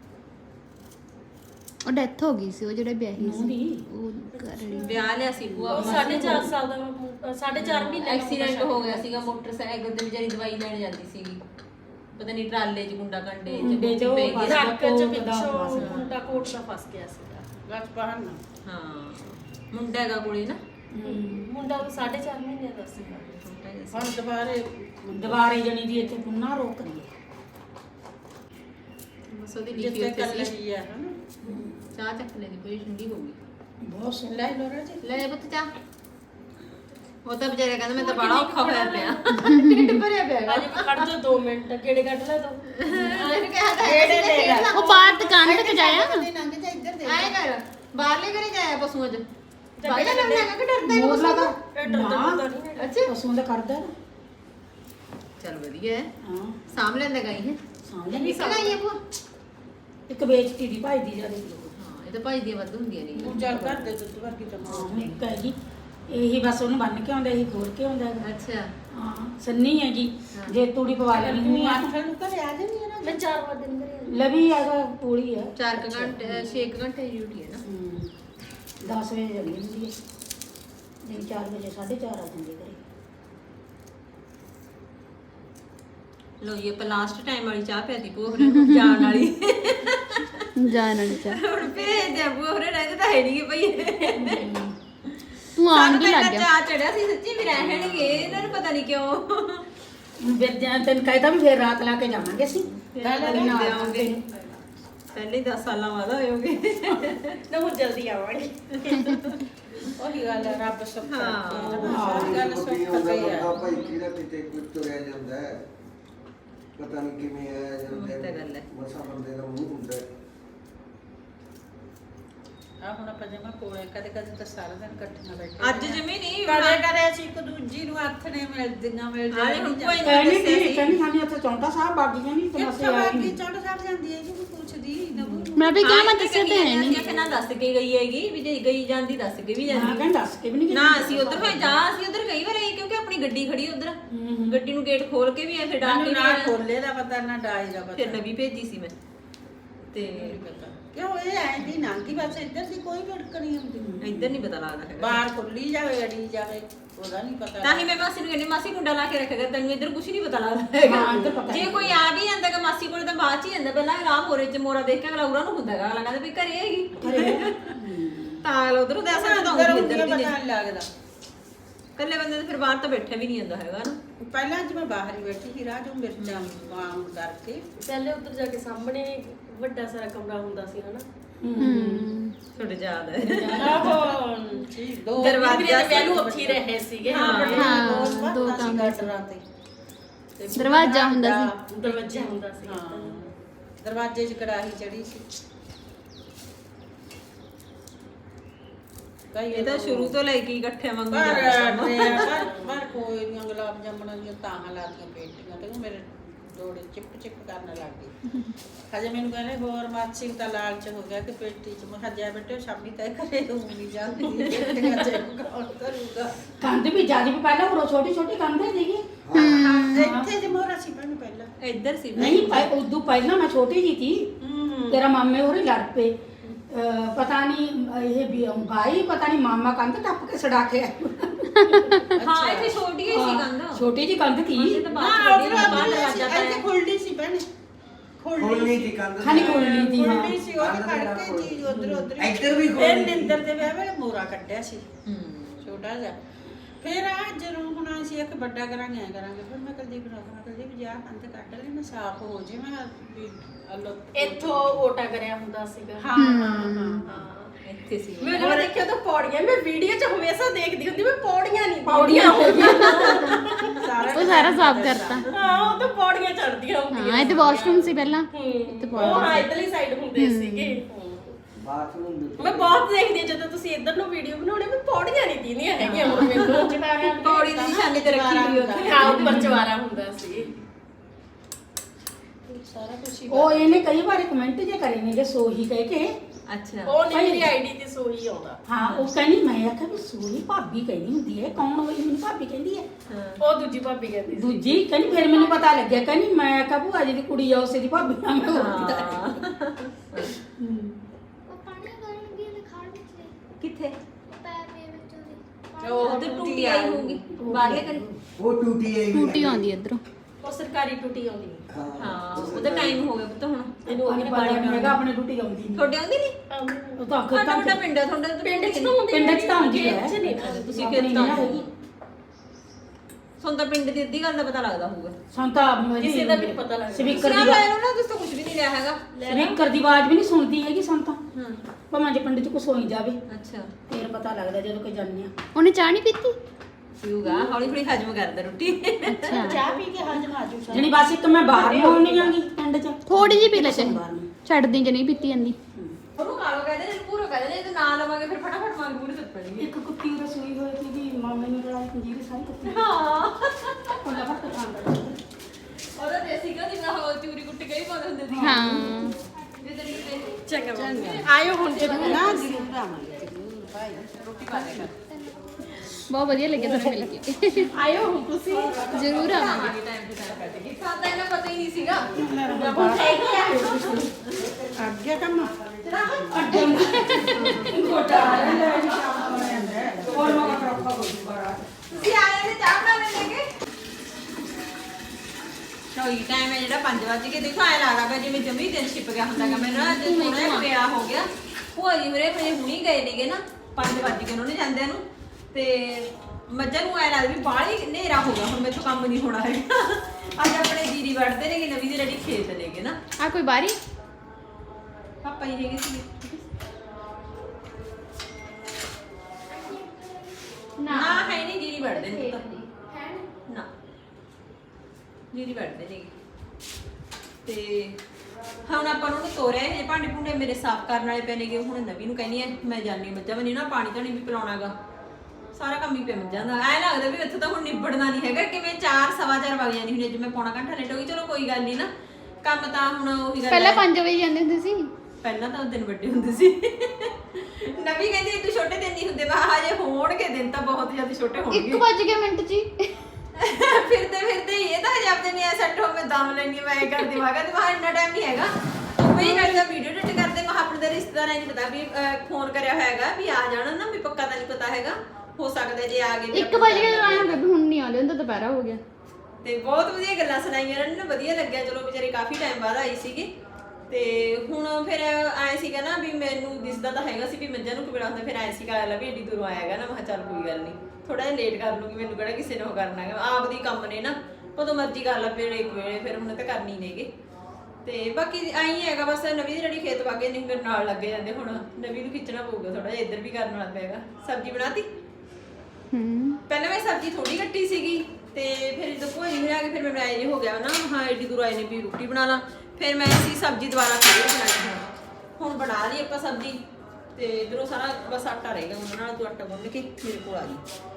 ਉਹ ਡੈਥ ਹੋ ਗਈ ਸੀ ਉਹ ਜਿਹੜੇ ਵਿਆਹੀ
ਨੂੰਹ
ਸੀ
ਦੀ
ਉਹ ਘਰ ਵਾਲੀ
ਵਿਆਹ ਲਿਆ ਸੀ ਭੂਆ
ਉਹ ਸਾਢੇ ਚਾਰ ਸਾਲ ਦਾ ਮੁੰ- ਸਾਢੇ ਚਾਰ ਮਹੀਨੇ ਦਾ
ਐਕਸੀਡੈਂਟ ਹੋ ਗਿਆ ਸੀਗਾ ਮੋਟਰਸਾਈਕਲ ਤੇ ਵਿਚਾਰੀ ਦਵਾਈ ਲੈਣ ਜਾਂਦੀ ਸੀਗੀ ਪਤਾ ਨਹੀਂ ਟਰਾਲੇ 'ਚ ਗੁੰਡਾ ਕੰਡੇ 'ਚ
ਮੁੰਡੇ 'ਚ ਉਹ
ਪੈ ਗਈ।
ਫਸ
ਟਰੱਕ
ਗਿਆ,
ਚ
ਕੋਟ ਦਾ
ਪਿੱਛੋਂ
ਫਸ ਗਿਆ।
ਮੁੰਡਾ ਕੋਟ ਦਾ ਫਸ ਗਿਆ ਸੀਗਾ
ਗੱਚ ਪਹਨ
ਹਾਂ ਮੁੰਡਾ ਹੈਗਾ ਕੋਲੇ ਨਾ
ਮੁੰਡਾ ਉਹ ਸਾਢੇ ਚਾਰ ਮਹੀਨੇ ਦਾ ਸੀਗਾ
ਛੋਟਾ ਜਿਹਾ ਸੀ।
ਹੁਣ ਦੁਬਾਰੇ
ਦੁਬਾਰੇ ਜਣੀ ਦੀ ਇੱਥੇ ਪੁੰਨਾ ਰੋਕ ਰਹੀ ਹੈ
ਬਸ ਉਹਦੀ
ਜਿੱਥੇ
ਲਿਖੀ
ਕਰ
ਉੱਤੇ ਸੀ
ਲਈ ਹੈ ਹਨਾ
ਚਾਹ ਚੱਕ ਲੈਣੀ ਪੂਰੀ ਠੰਡੀ ਹੋ ਗਈ
ਬਹੁਤ ਸੋਹਣਾ
ਲੈ ਲੋ ਰਾਜੇ
ਲੈ ਪੁੱਤ ਚਾਹ ਉਹ ਤਾਂ ਵਿਚਾਰਾ ਕਹਿੰਦਾ ਮੈਂ ਤਾਂ ਬੜਾ ਔਖਾ ਹੋਇਆ ਪਿਆ ਢਿੱਡ ਭਰਿਆ ਪਿਆ ਹੈਗਾ
ਅਜੇ ਵੀ ਕੱਢ ਜੋ ਦੋ ਮਿੰਟ ਕਿਹੜੇ ਕੱਢ ਲੈ ਤੂੰ
ਇਹਨੂੰ ਕਿਹਾ ਤਾਂ
ਉਹ ਬਾਹਰ ਦੁਕਾਨ ਤੱਕ ਜਾਇਆ
ਲੰਘ ਜਾ ਇੱਧਰ ਦੇ
ਆਏ ਕਰ ਬਾਹਰਲੇ ਘਰੇ ਜਾਇਆ ਪਸ਼ੂਆਂ 'ਚ
ਬਾਜਾ ਨਾ ਨਾ ਕਿ ਡਰਦਾ ਹੀ
ਮੋਰ ਲਗਾ
ਡਰਦਾ ਨਹੀਂ
ਅੱਛਾ ਪਸ਼ੂਆਂ ਦਾ ਕਰਦਾ ਨਾ।
ਚਲ ਵਧੀਆ ਹੈ,
ਹਾਂ
ਸਾਂਭ ਲੈਂਦਾ ਗਾਈ ਹੈ।
ਸਾਂਝਾ
ਨਿਕਲ ਆਈ ਹੈ ਭੂਆ।
ਇੱਕ ਵੇਚਤੀ ਦੀ ਭਾਈ ਦੀ ਜਾਦੇ
ਹਾਂ ਇਹ ਤਾਂ ਭਾਈ ਦੀਆਂ ਵੱਧ ਹੁੰਦੀਆਂ ਨੇ।
ਹੁਣ ਚੱਲ ਘਰ ਦੇ ਦੁੱਧ ਵਰਗੀ ਤਾਂ ਮਾਂ
ਹਾਂ ਇੱਕ ਹੈਗੀ ਇਹੀ ਬਸ ਉਹਨੂੰ ਬੰਨ ਕੇ ਆਉਂਦਾ ਇਹੀ ਖੋਲ ਕੇ ਆਉਂਦਾ ਹੈਗਾ।
ਅੱਛਾ
ਹਾਂ ਸੰਨੀ ਹੈਗੀ ਜੇ ਤੂੜੀ ਪਵਾ ਲੈਣੀ
ਤੂੰ
ਹੁੰਦੀ ਆ
ਅੱਠ ਨੂੰ ਘਰੇ ਆ ਜਾਂਦੀ ਹੈ ਨਾ
ਮੈਂ ਚਾਰ ਵਾਰ ਦਿਨ ਕਰਿਆ
ਲਵੀ ਹੈਗਾ ਪੂਰੀ ਹੈ
ਚਾਰ ਕੁ ਘੰਟੇ ਛੇ ਕੁ ਘੰਟੇ ਦੀ ਡਿਊਟੀ ਹੈ ਨਾ।
ਦਸ ਵਜੇ ਜਾਂਦੀ ਹੁੰਦੀ ਹੈ ਦਿਨ ਚਾਰ ਵਜੇ ਸਾਢੇ ਚਾਰ ਆ ਜਾਂਦੀ ਘਰੇ।
ਲੋ ਇਹ ਆਪਾਂ ਲਾਸਟ ਟਾਈਮ ਵਾਲੀ ਚਾਹ ਪਿਆਦੀ ਭੂਆ ਹੋਰਾਂ ਨੂੰ ਜਾਣ ਵਾਲੀ।
ਜਾਣ ਵਾਲੀ ਚਾਹ
ਹੁਣ ਭੇਜਦੇ ਆ ਭੂਆ ਹੋਰਾਂ ਰਹਿੰਦੇ ਤਾਂ ਹੈ ਨਹੀਂ ਭਈ।
ਤੂੰ ਆਉਣ
ਸਾਨੂੰ
ਵੀ ਲੱਗ
ਤਾਂ
ਗਿਆ
ਚਾਹ ਚੜਿਆ ਸੀ ਸੱਚੀ ਵੀ ਰਹਿਣਗੇ ਇਹਨਾਂ ਨੂੰ ਪਤਾ ਨਹੀਂ ਕਿਉਂ।
ਫਿਰ ਜਾਂ ਤੈਨੂੰ ਕਹਿਤਾ ਵੀ ਫਿਰ ਰਾਤ ਲਾ ਕੇ ਜਾਵਾਂਗੇ ਅਸੀਂ
ਆਉਂਦੇ ਆਉਂਗੇ ਪਹਿਲੇ ਦਸ ਸਾਲਾਂ ਬਾਅਦ ਹੋਇਓਗੇ।
ਨਾ ਹੁਣ ਜਲਦੀ ਆਵਾਂਗੇ।
ਉਹੀ ਗੱਲ ਹੈ ਰੱਬ ਸਭ
ਹਾਂ।
ਸਾਰੀ ਗੱਲ ਸਭ
ਵੱਡੀ
ਪਤਾ ਹੀ ਹੈ
ਬੰਦਾ ਭਾਈ ਕਿਹੜਾ ਕਿਤੇ ਕੋਈ ਤੁਰਿਆ ਜਾਂਦਾ ਹੈ, ਪਤਾ ਨਹੀਂ ਕਿਵੇਂ ਆਇਆ
ਉਹ ਤਾਂ ਗੱਲ
ਜਾਂਦਾ
ਹੈ।
ਮਸਾ ਬੰਦੇ ਦਾ ਮੂੰਹ ਹੁੰਦਾ ਹੈ।
ਆ ਹੁਣ ਆਪਾਂ ਜਮਾ ਕੋਲੇ ਕਦੇ ਕਦੇ ਤਾਂ ਸਾਰਾ ਦਿਨ ਇਕੱਠੀਆਂ ਬੈਠੇ
ਅੱਜ ਜਮੀ ਨਹੀਂ
ਕਦੇ ਕਦੇ ਅਸੀਂ ਇੱਕ ਦੂਜੀ ਨੂੰ ਹੱਥ ਨੇ ਮਿਲਦੀਆਂ ਮਿਲ
ਹਾਂ, ਹੁਣ
ਜਾਂਦੀਆਂ
ਕੋਈ
ਕਹਿੰਦੀ
ਦੱਸਿਆ
ਕਿ
ਸੀ।
ਕਹਿੰਦੀ ਸਾਨੂੰ ਉੱਥੇ ਚੌਂਟਾ ਸਾਹਿਬ ਬਾਗੀ ਜਾਂਦੀ ਤੇ
ਕਿੱਥੇ
ਅਸੀਂ ਆਏ
ਬਾਕੀ
ਨਹੀਂ
ਚੜ ਸੜ ਜਾਂਦੀ ਹੈ ਜੀ ਕੋਈ ਪੁੱਛਦੀ ਨਬੂ
ਮੈਂ ਵੀ ਕਿਹਾ
ਹਾਂ,
ਮੈਂ
ਇੱਥੇ
ਦੱਸਿਆ ਤੇ
ਕਹੀ
ਹੈ
ਜਾਂਦੀ
ਨਹੀਂ
ਆ ਕਿ ਨਾ ਦੱਸ ਕੇ ਗਈ ਹੈਗੀ ਵੀ ਜੇ ਗਈ ਜਾਂਦੀ ਦੱਸ ਕੇ ਵੀ
ਨਾ
ਜਾਂਦੀ।
ਕਹਿੰਦਾ ਦੱਸ ਕੇ ਵੀ ਨਹੀਂ
ਨਾ ਅਸੀਂ ਉਧਰ ਫੇ ਜਾ ਅਸੀਂ ਉਧਰ ਕਈ ਵਾਰ ਆਈ ਕਿਉਂਕਿ ਆਪਣੀ ਗੱਡੀ ਖੜੀ ਉਧਰ ਗੱਡੀ ਨੂੰ ਗੇਟ ਖੋਲ ਕੇ ਵੀ ਆਏ ਫਿਰ ਡਾਕ ਕੇ
ਨਾ
ਵੀ ਆਏ।
ਖੋਲੇ ਦਾ ਪਤਾ ਨਾ ਡਾਈ ਦਾ ਪਤਾ
ਫਿਰ ਨਵੀਂ ਭੇਜੀ ਸੀ ਮੈਂ ਤੇ
ਨਹੀਂ ਪਤਾ ਕਿਉਂ ਇਹ ਐਂ ਦੀ ਨਾਂਗੀ ਬਸ ਇੱਧਰ ਦੀ ਕੋਈ ਭੜਕ ਨਹੀਂ ਹੁੰਦੀ
ਇੱਧਰ ਨਹੀਂ ਪਤਾ ਲੱਗਦਾ ਹੈਗਾ।
ਬਾਹਰ ਖੁੱਲੀ ਜਾਵੇ ਅੜੀ ਜਾਵੇ ਉਹਦਾ ਨਹੀਂ ਪਤਾ
ਤਾਂ ਹੀ ਮੈਂ ਮਾਸੀ ਨੂੰ ਕਹਿੰਦੀ ਮਾਸੀ ਕੁੰਡਾ ਲਾ ਕੇ ਰੱਖੇਗਾ ਤੈਨੂੰ ਇੱਧਰ ਕੁਝ ਨਹੀਂ ਪਤਾ ਲੱਗਦਾ ਹੈਗਾ।
ਹਾਂ, ਇੱਧਰ ਪਤਾ
ਜੇ
ਨਹੀਂ।
ਕੋਈ ਆ ਵੀ ਜਾਂਦਾ ਕਿ ਮਾਸੀ ਕੋਲ ਤਾਂ ਬਾਅਦ ਚ ਹੀ ਜਾਂਦਾ ਪਹਿਲਾਂ ਰਾਹ ਮੋਰੇ ਚ ਮੋਰਾ ਦੇਖ ਕੇ ਅਗਲਾ ਉਰਾਂ ਨੂੰ ਹੁੰਦਾ ਹੈਗਾ ਅਗਲਾ ਕਹਿੰਦਾ ਵੀ ਘਰੇ ਹੈਗੀ ਤਾਂ ਅਗਲਾ ਉਧਰੋਂ ਦੱਸ ਸਕਦਾ ਤਾਂ
ਅੰਦਰ
ਆਉਂਦੀ
ਹੁੰਦੀ
ਇੱਧਰ
ਹੈ,
ਦੀ
ਪਤਾ ਨਹੀਂ ਲੱਗਦਾ
ਇਕੱਲੇ ਬੰਦੇ ਤਾਂ ਫਿਰ ਬਾਹਰ ਤਾਂ ਬੈਠਿਆ ਵੀ ਨਹੀਂ ਜਾਂਦਾ ਹੈਗਾ ਨਾ।
ਪਹਿਲਾਂ ਜਿਵੇਂ ਬਾਹਰ ਹੀ ਬੈਠੀ ਸੀ ਰਾਹ ਚੋਂ ਮਿਰਚਾਂ ਵਾਂਗ ਕਰਕੇ
ਪਹਿਲੇ ਉੱਧਰ ਜਾ ਕੇ ਸਾਹਮਣੇ ਵੱਡਾ ਸਾਰਾ ਕਮਰਾ ਹੁੰਦਾ ਸੀ ਹਨਾ।
ਹੂੰ
ਤੁਹਾਡੇ ਯਾਦ ਹੈ
ਆਹੋ ਜੀ ਦੋ
ਦਰਵਾਜ਼ਾ
ਮੇਰੇ ਪਹਿਲੂ ਉੱਥੇ ਹੀ ਰਹੇ ਸੀਗੇ।
ਹਾਂ।
ਹਾਂ, ਦੋ
ਦੋ
ਕਮਰੇ
ਕਮਰੇ
ਸੀ।
ਤੇ
ਦਰਵਾਜ਼ਾ ਹੁੰਦਾ
ਸੀ
ਦਰਵਾਜ਼ਾ ਹੁੰਦਾ ਸੀ।
ਹਾਂ ਦਰਵਾਜ਼ੇ 'ਚ ਕੜਾਹੀ ਚੜੀ ਸੀ ਕਈ
ਇਹ ਤਾਂ ਸ਼ੁਰੂ ਤੋਂ ਲੈ ਕੇ ਹੀ ਇਕੱਠੇ ਵਾਂਗੂ
ਪਰ
ਜਾਂਦਾ ਸੀ।
ਪਰ ਪਰ ਕੋਈ ਨਹੀਂ ਗੁਲਾਬ ਜਾਮਣਾਂ ਦੀਆਂ ਤਾਹਾਂ ਲਾਤੀਆਂ ਪੇਟੀਆਂ ਤੇ ਉਹ ਮੇਰੇ ਦੋੜੇ ਚਿਪ ਚਿਪ ਕਰਨ ਲੱਗ ਗਈ ਹਜੇ ਮੈਨੂੰ ਕਹਿੰਦੇ ਹੋਰ ਮਾਛੀ ਦਾ ਲਾਲਚ ਹੋ ਗਿਆ ਕਿ ਪੇਟੀ 'ਚ ਮੈਂ ਹਜੇ ਬੈਠੇ ਸ਼ਾਮੀ ਤੱਕ ਕਰੇ ਹੋਊਗੀ ਜਾਂਦੀ ਪੇਟੀਆਂ ਚਿਪ ਕੌਣ ਕਰੂਗਾ
ਕੰਧ ਵੀ ਜਿਆਦਾ ਵੀ ਪਹਿਲਾਂ ਉਹ ਛੋਟੀ ਛੋਟੀ ਕੰਧ ਸੀਗੀ
ਇੱਥੇ ਜੇ ਮੋਰਾ ਸੀ ਪਹਿਲਾਂ ਪਹਿਲਾਂ
ਇੱਧਰ ਸੀ
ਨਹੀਂ ਪਹਿ- ਉਦੋਂ ਪਹਿਲਾਂ ਮੈਂ ਛੋਟੀ ਜੀ ਸੀ ਤੇਰਾ ਮਾਮੇ ਹੋਰੀ ਲੜ ਪਏ ਅਹ ਪਤਾ ਨਹੀਂ ਇਹ ਵੀ ਭਾਈ ਪਤਾ ਨਹੀਂ ਮਾਮਾ ਕੰਧ ਟੱਪ ਕੇ ਸੜਾ ਕੇ ਆਇਆ।
ਹਾਂ ਇੱਥੇ ਛੋਟੀ ਹੀ ਸੀ ਕੰਧ
ਛੋਟੀ ਜੀ ਕੰਧ ਸੀ
ਇਹ ਤਾਂ ਬਾਹਰ
ਨਾ
ਵੱਡੀ
ਉਹ
ਬਾਹਰ ਦਰਵਾਜ਼ਾ
ਇੱਥੇ
ਪਾਇਆ
ਖੁੱਲਦੀ ਸੀ ਭੈਣੇ
ਖੋਲਣੀ ਦੀ ਕੰਧ
ਖਾਲੀ ਖੋਲਣੀ ਦੀ ਹਾਂ
ਖੁੱਲਦੀ ਸੀ ਉਹ ਫੜ ਕੇ ਚੀਜ਼ ਉਧਰ ਉਧਰ
ਇੱਧਰ ਵੀ
ਇਹ
ਖੋਲਣੀ ਸੀ।
ਨਿੰਦਰ ਦੇ ਵਿਆਹ ਵੇਲੇ ਮੋਰਾ ਕੱਢਿਆ ਸੀ
ਹੂੰ
ਛੋਟਾ ਜਿਹਾ ਫਿਰ ਆ ਜਦੋਂ ਹੁਣ ਅਸੀਂ ਇੱਕ ਵੱਡਾ ਕਰਾਂਗੇ ਐ ਕਰਾਂਗੇ ਫਿਰ ਮੈਂ ਕੁਲਦੀਪ ਨੂੰ ਆਖਣਾ ਕੁਲਦੀਪ ਜੀ ਆਹ ਕੰਧ ਕੱਢ ਲੈ ਮੈਂ ਸਾਫ਼ ਹੋ ਜੇ ਮੈਂ ਵੀ ਅੱਲੋ
ਇੱਥੋਂ ਓਟਾ ਕਰਿਆ ਹੁੰਦਾ ਸੀਗਾ।
ਹਾਂ ਹਾਂ ਹਾਂ
ਹਾਂ
ਇੱਥੇ ਸੀ
ਮੈਂ ਜਦੋਂ ਦੇਖਿਆ ਤਾਂ ਪੌੜੀਆਂ ਮੈਂ ਵੀਡੀਓ 'ਚ ਹਮੇਸ਼ਾ ਦੇਖਦੀ ਹੁੰਦੀ ਮੈਂ ਪੌੜੀਆਂ ਨਹੀਂ
ਪੌੜੀਆਂ ਹੋ ਗਈਆਂ
ਸਾਰਾ
ਉਹ ਸਾਰਾ ਸਾਫ਼ ਕਰਤਾ
ਹਾਂ ਉਹ ਤਾਂ ਪੌੜੀਆਂ ਚੜਦੀਆਂ ਹੁੰਦੀਆਂ
ਹਾਂ ਇਹ ਤੇ ਵਾਸ਼ਰੂਮ ਸੀ ਪਹਿਲਾਂ
ਹੂੰ
ਤੇ
ਉਹ ਹਾਂ ਇਧਰਲੀ ਸਾਈਡ ਹੁੰਦੇ ਸੀਗੇ।
ਬਾਥਰੂਮ ਦੇ
ਮੈਂ ਬਹੁਤ ਦੇਖਦੀ ਹਾਂ ਜਦੋਂ ਤੁਸੀਂ ਇੱਧਰ ਨੂੰ ਵੀਡੀਓ ਬਣਾਉਣੇ ਮੈਂ ਪੌੜੀਆਂ ਨਹੀਂ ਦੀਨੀਆਂ ਹੈਗੀਆਂ ਹੁਣ ਮੈਨੂੰ
ਚਵਾਰਿਆਂ
ਪੌੜੀ ਦੀ ਨਿਸ਼ਾਨੀ ਤੇ ਰੱਖੀ ਹੋਈ ਉੱਥੇ
ਹਾਂ ਉੱਪਰ ਚਵਾਰਾ ਹੁੰਦਾ ਸੀ।
ਸਾਰਾ ਕੁਝ ਹੀ
ਉਹ ਇਹਨੇ ਕਈ ਵਾਰ ਕਮੈਂਟ ਜੇ ਕਰੇ ਨੇਗੇ ਸੋਹੀ ਕਹਿ ਕੇ
ਅੱਛਾ
ਉਹ ਨਹੀਂ ਮੇਰੀ ਆਈਡੀ ਤੇ ਸੋਈ ਆਉਂਦਾ।
ਹਾਂ ਉਹ ਕਹਿੰਦੀ ਮੈਂ ਆਖਿਆ ਵੀ ਸੋਹੀ ਭਾਬੀ ਕਹਿੰਦੀ ਹੁੰਦੀ ਹੈ ਕੌਣ ਹੋਈ ਮੈਨੂੰ ਭਾਬੀ ਕਹਿੰਦੀ ਹੈ
ਉਹ ਦੂਜੀ ਭਾਬੀ ਕਹਿੰਦੀ ਸੀ।
ਦੂਜੀ ਕਹਿੰਦੀ ਫਿਰ ਮੈਨੂੰ ਪਤਾ ਲੱਗਿਆ ਕਹਿੰਦੀ ਮੈਂ ਆਖਿਆ ਭੂਆ ਜੀ ਦੀ ਕੁੜੀ ਆ ਉਸੇ ਦੀ ਭਾਬੀ ਆ ਮੈਂ ਹੋਰ ਦੀ ਤਾਂ
ਹਾਂ
ਪਾਣੀ ਗਾਣ ਲੱਗੀ ਉਹਦੇ ਖਾੜ ਵਿੱਚ
ਕਿੱਥੇ
ਪੈਰ ਮੇਰੇ ਵਿੱਚ ਉਹਦੇ
ਉਹ
ਉਧਰ ਟੂਟੀ ਆਈ ਹੋਊਗੀ ਬਾਹਰਲੇ ਕਰੀ
ਉਹ ਟੂਟੀ ਆਈ
ਟੂਟੀ ਆਉਂਦੀ ਇਧਰੋਂ
ਉਹ ਸਰਕਾਰੀ ਟੁੱਟੀ ਆਉਂਦੀ
ਹਾਂ ਉਹਦਾ ਟਾਈਮ ਹੋ ਗਿਆ ਪੁੱਤ ਹੁਣ
ਇਹਨੂੰ ਉਹ ਵੀ
ਉਹਨੇ
ਨਹੀਂ
ਪਤਾ
ਪਾਣੀ
ਨਹੀਂ ਹੈਗਾ ਆਪਣੇ ਡਿਊਟੀ ਆਉਂਦੀ ਨਹੀਂ
ਤੁਹਾਡੇ ਆਉਂਦੀ ਨਹੀਂ
ਉਹ ਤਾਂ ਅੱਖ
ਤੁਹਾਡਾ
ਤਾਂ
ਵੱਡਾ ਪਿੰਡ ਹੈ ਤੁਹਾਡਾ ਤਾਂ
ਪਿੰਡ 'ਚ ਤਾਂ ਹੁੰਦੀ
ਪਿੰਡ 'ਚ ਤਾਂ ਹੁੰਦੀ ਹੈ।
ਪਿੰਡ 'ਚ ਨਹੀਂ ਨਾ।
ਤੁਸੀਂ ਫਿਰ ਤਾਂ ਤੁਹਾਨੂੰ ਤਾਂ ਪਿੰਡ ਦੀ ਅੱਧੀ ਗੱਲ ਦਾ ਪਤਾ ਲੱਗਦਾ ਹੋਊਗਾ
ਸੰਤਾ
ਕਿਸੇ ਦਾ ਵੀ ਨਹੀਂ ਪਤਾ ਲੱਗਦਾ।
ਸਪੀਕਰ
ਸਿਆ
ਦੀ
ਲੈ ਲਓ ਨਾ ਤੁਸੀਂ ਤਾਂ ਕੁਝ ਵੀ ਨਹੀਂ ਲਿਆ ਹੈਗਾ
ਸਪੀਕਰ ਦੀ ਆਵਾਜ਼ ਵੀ ਨਹੀਂ ਸੁਣਦੀ ਹੈਗੀ ਸੰਤਾ
ਹਾਂ
ਭਾਵੇਂ ਜੇ ਪਿੰਡ 'ਚ ਕੁਛ ਹੋਈ ਜਾਵੇ
ਅੱਛਾ
ਫਿਰ ਪਤਾ ਲੱਗਦਾ ਜਦੋਂ ਕੋਈ ਜਾਂਦੇ ਆ
ਉਹਨੇ ਚਾਹ ਨਹੀਂ ਪੀਤੀ
ਪੀਊਗਾ ਹੌਲੀ ਹੌਲੀ ਹਜਮ ਕਰਦਾ ਰੋਟੀ
ਅੱਛਾ
ਚਾਹ ਪੀ ਕੇ ਹਾਜ਼ਮ ਆ ਜੂ
ਜਣੀ ਬਸ ਇੱਕ ਮੈਂ ਬਾਹਰ ਨੂੰ ਆਉਣੀ ਆਂਗੀ ਪਿੰਡ 'ਚ
ਥੋੜੀ ਜਿਹੀ ਪੀ ਲੈ ਚਾਹੇ
ਬਾਹਰ ਨੂੰ
ਛੱਡਦੀ ਜੇ ਨਹੀਂ ਪੀਤੀ ਜਾਂਦੀ
ਉਹਨੂੰ ਕਾਲੋ ਕਹਿੰਦੇ ਨੇ ਪੂਰਾ ਕਹਿੰਦੇ ਨੇ ਜੇ ਨਾ ਲਵਾਂਗੇ ਫਿਰ ਫਟਾਫਟ ਮੰਗ ਪੂਰੀ ਸੁੱਟਣੀ
ਇੱਕ ਕੁੱਤੀ ਰਸੋਈ ਹੋਈ ਸੀ ਵੀ ਮਾਮੇ ਨੂੰ ਰਲਾ ਪੰਜੀਰੀ ਸਾਰੀ ਕੁੱਤੀ
ਹਾਂ
ਉਹਦਾ ਫਟ ਖਾਂਦਾ
ਉਹਦਾ ਦੇਸੀ ਘਿਓ ਦੀ ਨਾ ਹੋ ਚੂਰੀ ਕੁੱਟ ਕੇ ਹੀ ਪਾਉਂਦੇ ਹੁੰਦੇ ਸੀ
ਹਾਂ
ਚੰਗਾ ਆਇਓ ਹੁਣ
ਨਾ ਜ਼ਰੂਰ ਆਵਾਂਗੇ ਜ਼ਰੂਰ ਭਾਈ
ਰੋਟੀ ਪਾ ਦੇ
ਬਹੁਤ ਵਧੀਆ ਲੱਗਿਆ ਤੁਹਾਨੂੰ ਮਿਲ ਕੇ
ਆਇਓ ਹੁਣ ਤੁਸੀਂ
ਜ਼ਰੂਰ ਆਵਾਂਗੇ
ਟਾਈਮ ਟੂ ਟਾਈਮ ਕੱਢ ਕੇ ਸਾਨੂੰ ਤਾਂ ਇਹਨਾਂ ਪਤਾ ਹੀ ਨਹੀਂ ਸੀਗਾ
ਅੱਗੇ ਕੰਮ
ਤੁਸੀਂ ਆਏ ਨੇ ਚਾਹ ਬਣਾ ਲੈਣਗੇ ਸ਼ੋਈ ਟਾਈਮ ਹੈ ਜਿਹੜਾ ਪੰਜ ਵਜੇ ਕੇ ਦੇਖੋ ਐ ਲੱਗਦਾ ਜਿਵੇਂ ਜਮੀ ਦਿਨ ਛਿਪ ਗਿਆ ਹੁੰਦਾਗਾ ਮੈਨੂੰ ਅੱਜ ਥੋੜਾ ਜਿਹਾ ਵੇਲਾ ਹੋ ਗਿਆ ਭੂਆ ਜੀ ਮੇਰੇ ਮੇਰੇ ਹੁਣੀ ਗਏ ਨੇਗੇ ਨਾ ਪੰਜ ਵਜੇ ਕੇ ਉਹਨੇ ਜਾਂਦਿਆਂ ਨੂੰ ਤੇ ਮੱਝਾਂ ਨੂੰ ਐ ਲੱਗਦਾ ਵੀ ਬਾਹਲੀ ਹਨੇਰਾ ਹੋ ਗਿਆ ਹੁਣ ਮੈਥੋਂ ਕੰਮ ਨਹੀਂ ਹੋਣਾ ਹੈਗਾ ਅੱਜ ਆਪਣੇ ਜੀਰੀ ਵੱਢਦੇ ਨੇਗੇ ਨਵੀਂ ਦੀ ਰੈਡੀ ਖੇਤ ਨੇਗੇ ਨਾ
ਆ ਕੋਈ ਬਾਰੀ
ਪਾਪਾ ਹੀ ਹੈਗੇ ਸੀ ਨਾ ਹੈ ਨਹੀਂ ਜੀਰੀ ਵੱਢਦੇ ਨੇ ਤਾਂ ਨਾ ਜੀਰੀ ਵੱਢਦੇ ਨੇ ਤੇ ਹੁਣ ਆਪਾਂ ਨੂੰ ਤੋਰਿਆ ਇਹ ਭਾਂਡੇ ਭੁੰਡੇ ਮੇਰੇ ਸਾਫ਼ ਕਰਨ ਵਾਲੇ ਪਏ ਨੇਗੇ ਹੁਣ ਨਵੀਂ ਨੂੰ ਕਹਿੰਦੀ ਐ ਮੈਂ ਜਾਣੀ ਮੱਝਾਂ ਬਣੀ ਨਾ ਪਾਣੀ ਧਣੀ ਵੀ ਪਿਲਾਉਣਾਗਾ ਸਾਰਾ ਕੰਮ ਹੀ ਪਿਆ ਮੱਝਾਂ ਦਾ ਐ ਲੱਗਦਾ ਵੀ ਇੱਥੇ ਤਾਂ ਹੁਣ ਨਿਬੜਨਾ ਨਹੀਂ ਹੈਗਾ ਕਿਵੇਂ ਚਾਰ ਸਵਾ ਚਾਰ ਵਜ ਜਾਂਦੀ ਹੁੰਦੀ ਅੱਜ ਮੈਂ ਪੌਣਾ ਘੰਟਾ ਲੇਟ ਹੋ ਗਈ ਚਲੋ ਕੋਈ ਗੱਲ ਨਹੀਂ ਨਾ ਕੰਮ ਤਾਂ ਹੁਣ ਉਹੀ ਗੱਲ
ਪਹਿਲਾਂ
ਹੈ।
ਪੰਜ ਵਜੇ ਜਾਂਦੇ ਹੁੰਦੇ ਸੀ
ਪਹਿਲਾਂ ਤਾਂ ਉਹ ਦਿਨ ਵੱਡੇ ਹੁੰਦੇ ਸੀ ਨਵੀਂ ਕਹਿੰਦੀ ਤੂੰ ਛੋਟੇ ਦਿਨ ਨਹੀਂ ਹੁੰਦੇ ਵਾ ਹਜੇ ਹੋਣਗੇ ਦਿਨ ਤਾਂ ਬਹੁਤ ਜ਼ਿਆਦਾ ਛੋਟੇ
ਇੱਕ
ਹੋਣਗੇ
ਵੱਜ ਗਿਆ ਮਿੰਟ ਜੀ
ਫਿਰਦੇ ਫਿਰਦੇ ਹੀ ਇਹ ਤਾਂ ਹਜੇ ਆਪਦੇ ਨਹੀਂ ਸੈੱਟ ਹੋ ਮੈਂ ਦਮ ਲੈਣੀ ਮੈਂ ਇਹ ਕਰਦੀ ਵਾਗਾ ਤੇ ਮੈਂ ਇੰਨਾ ਟਾਈਮ ਨਹੀਂ ਹੈਗਾ ਕੋਈ ਗੱਲ ਦਾ ਵੀਡੀਓ ਐਡਿਟ ਕਰਦੇ ਮੈਂ ਆਪਣੇ ਦੇ ਰਿਸ਼ਤੇਦਾਰਾਂ ਨਹੀਂ ਪਤਾ ਵੀ ਫੋਨ ਕਰਿਆ ਹੋਇਆ ਹੈਗਾ ਵੀ ਆ ਜਾਣਾ ਨਾ ਵੀ ਪੱਕਾ ਤਾਂ ਨਹੀਂ ਪਤਾ ਹੈਗਾ ਹੋ ਸਕਦਾ ਜੇ ਆ ਗਏ ਵੀ
ਇੱਕ
ਆਪਾਂ
ਵੱਜ ਗਿਆ ਆਇਆ ਬੇਬੀ ਹੁਣ ਨਹੀਂ ਆਉਂਦੇ ਹੁੰਦਾ ਦੁਪਹਿਰਾ ਹੋ ਗਿਆ
ਤੇ ਬਹੁਤ ਵਧੀਆ ਗੱਲਾਂ ਸੁਣਾਈਆਂ ਇਹਨਾਂ ਨੇ ਵਧੀਆ ਲੱਗਿਆ ਚਲੋ ਵਿਚਾਰੇ ਕਾਫੀ ਟਾਈਮ ਬਾਅਦ ਆਈ ਸੀਗੀ ਤੇ ਹੁਣ ਫਿਰ ਆਏ ਸੀਗਾ ਨਾ ਵੀ ਮੈਨੂੰ ਦਿਸਦਾ ਤਾਂ ਹੈਗਾ ਸੀ ਵੀ ਮੱਝਾਂ ਨੂੰ ਕਿਹੜਾ ਹੁੰਦਾ ਫਿਰ ਆਏ ਸੀਗਾ ਲਾ ਵੀ ਏਡੀ ਦੂਰੋਂ ਆਇਆ ਹੈਗਾ ਨਾ ਮੈਂ ਕਿਹਾ ਚੱਲ ਕੋਈ ਗੱਲ ਨਹੀਂ ਥੋੜਾ ਜਿਹਾ ਲੇਟ ਕਰ ਲੂੰਗੀ ਮੈਨੂੰ ਕਿਹੜਾ ਕਿਸੇ ਨੇ ਉਹ ਕਰਨਾ ਹੈਗਾ ਆਪ ਦੀ ਕੰਮ ਨੇ ਨਾ ਕਦੋਂ ਮਰਜ਼ੀ ਕਰ ਲਾ ਵੇਲੇ ਇੱਕ ਵੇਲੇ ਫਿਰ ਹੁਣ ਤਾਂ ਕਰਨੀ ਨੇਗੇ ਤੇ ਬਾਕੀ ਆਈ ਹੈਗਾ ਬਸ ਨਵੀਂ ਦੀ ਜਿਹੜੀ ਖੇਤ ਵਾਗੇ ਨਹੀਂ ਮੇਰੇ ਨਾਲ ਲੱਗੇ ਜਾਂਦੇ ਹੁਣ ਨਵੀਂ ਨੂੰ ਖਿੱਚਣਾ ਪਊਗਾ ਥੋੜਾ ਜਿਹਾ ਇੱਧਰ ਵੀ ਕਰਨ ਵਾਲਾ ਪਏਗਾ ਸਬਜ਼ੀ ਬਣਾਤੀ
ਹੂੰ
ਪਹਿਲਾਂ ਮੈਂ ਸਬਜ਼ੀ ਥੋੜੀ ਕੱਟੀ ਸੀਗੀ ਤੇ ਫਿਰ ਜਦੋਂ ਭੋਜੀ ਹੋਇਆ ਆ ਕੇ ਫਿਰ ਮੈਂ ਬਣਾਈ ਜੇ ਹੋ ਗਿਆ ਨਾ ਹਾਂ ਏਡੀ ਦੂਰ ਆਏ ਨੇ ਵੀ ਰੋਟੀ ਬਣਾ ਲਾ ਫਿਰ ਮੈਂ ਅਸੀਂ ਸਬਜ਼ੀ ਦੁਬਾਰਾ ਫੇਰ ਬਣਾਈ ਹੁਣ ਬਣਾ ਲਈ ਆਪਾਂ ਸਬਜ਼ੀ ਤੇ ਇਧਰੋਂ ਸਾਰਾ ਬਸ ਆਟਾ ਰਹੇਗਾ ਉਹਨਾਂ ਨਾਲ ਤੂੰ ਆਟਾ ਗੁੰਨ ਕੇ ਮੇਰੇ ਕੋਲ ਆ ਜੀ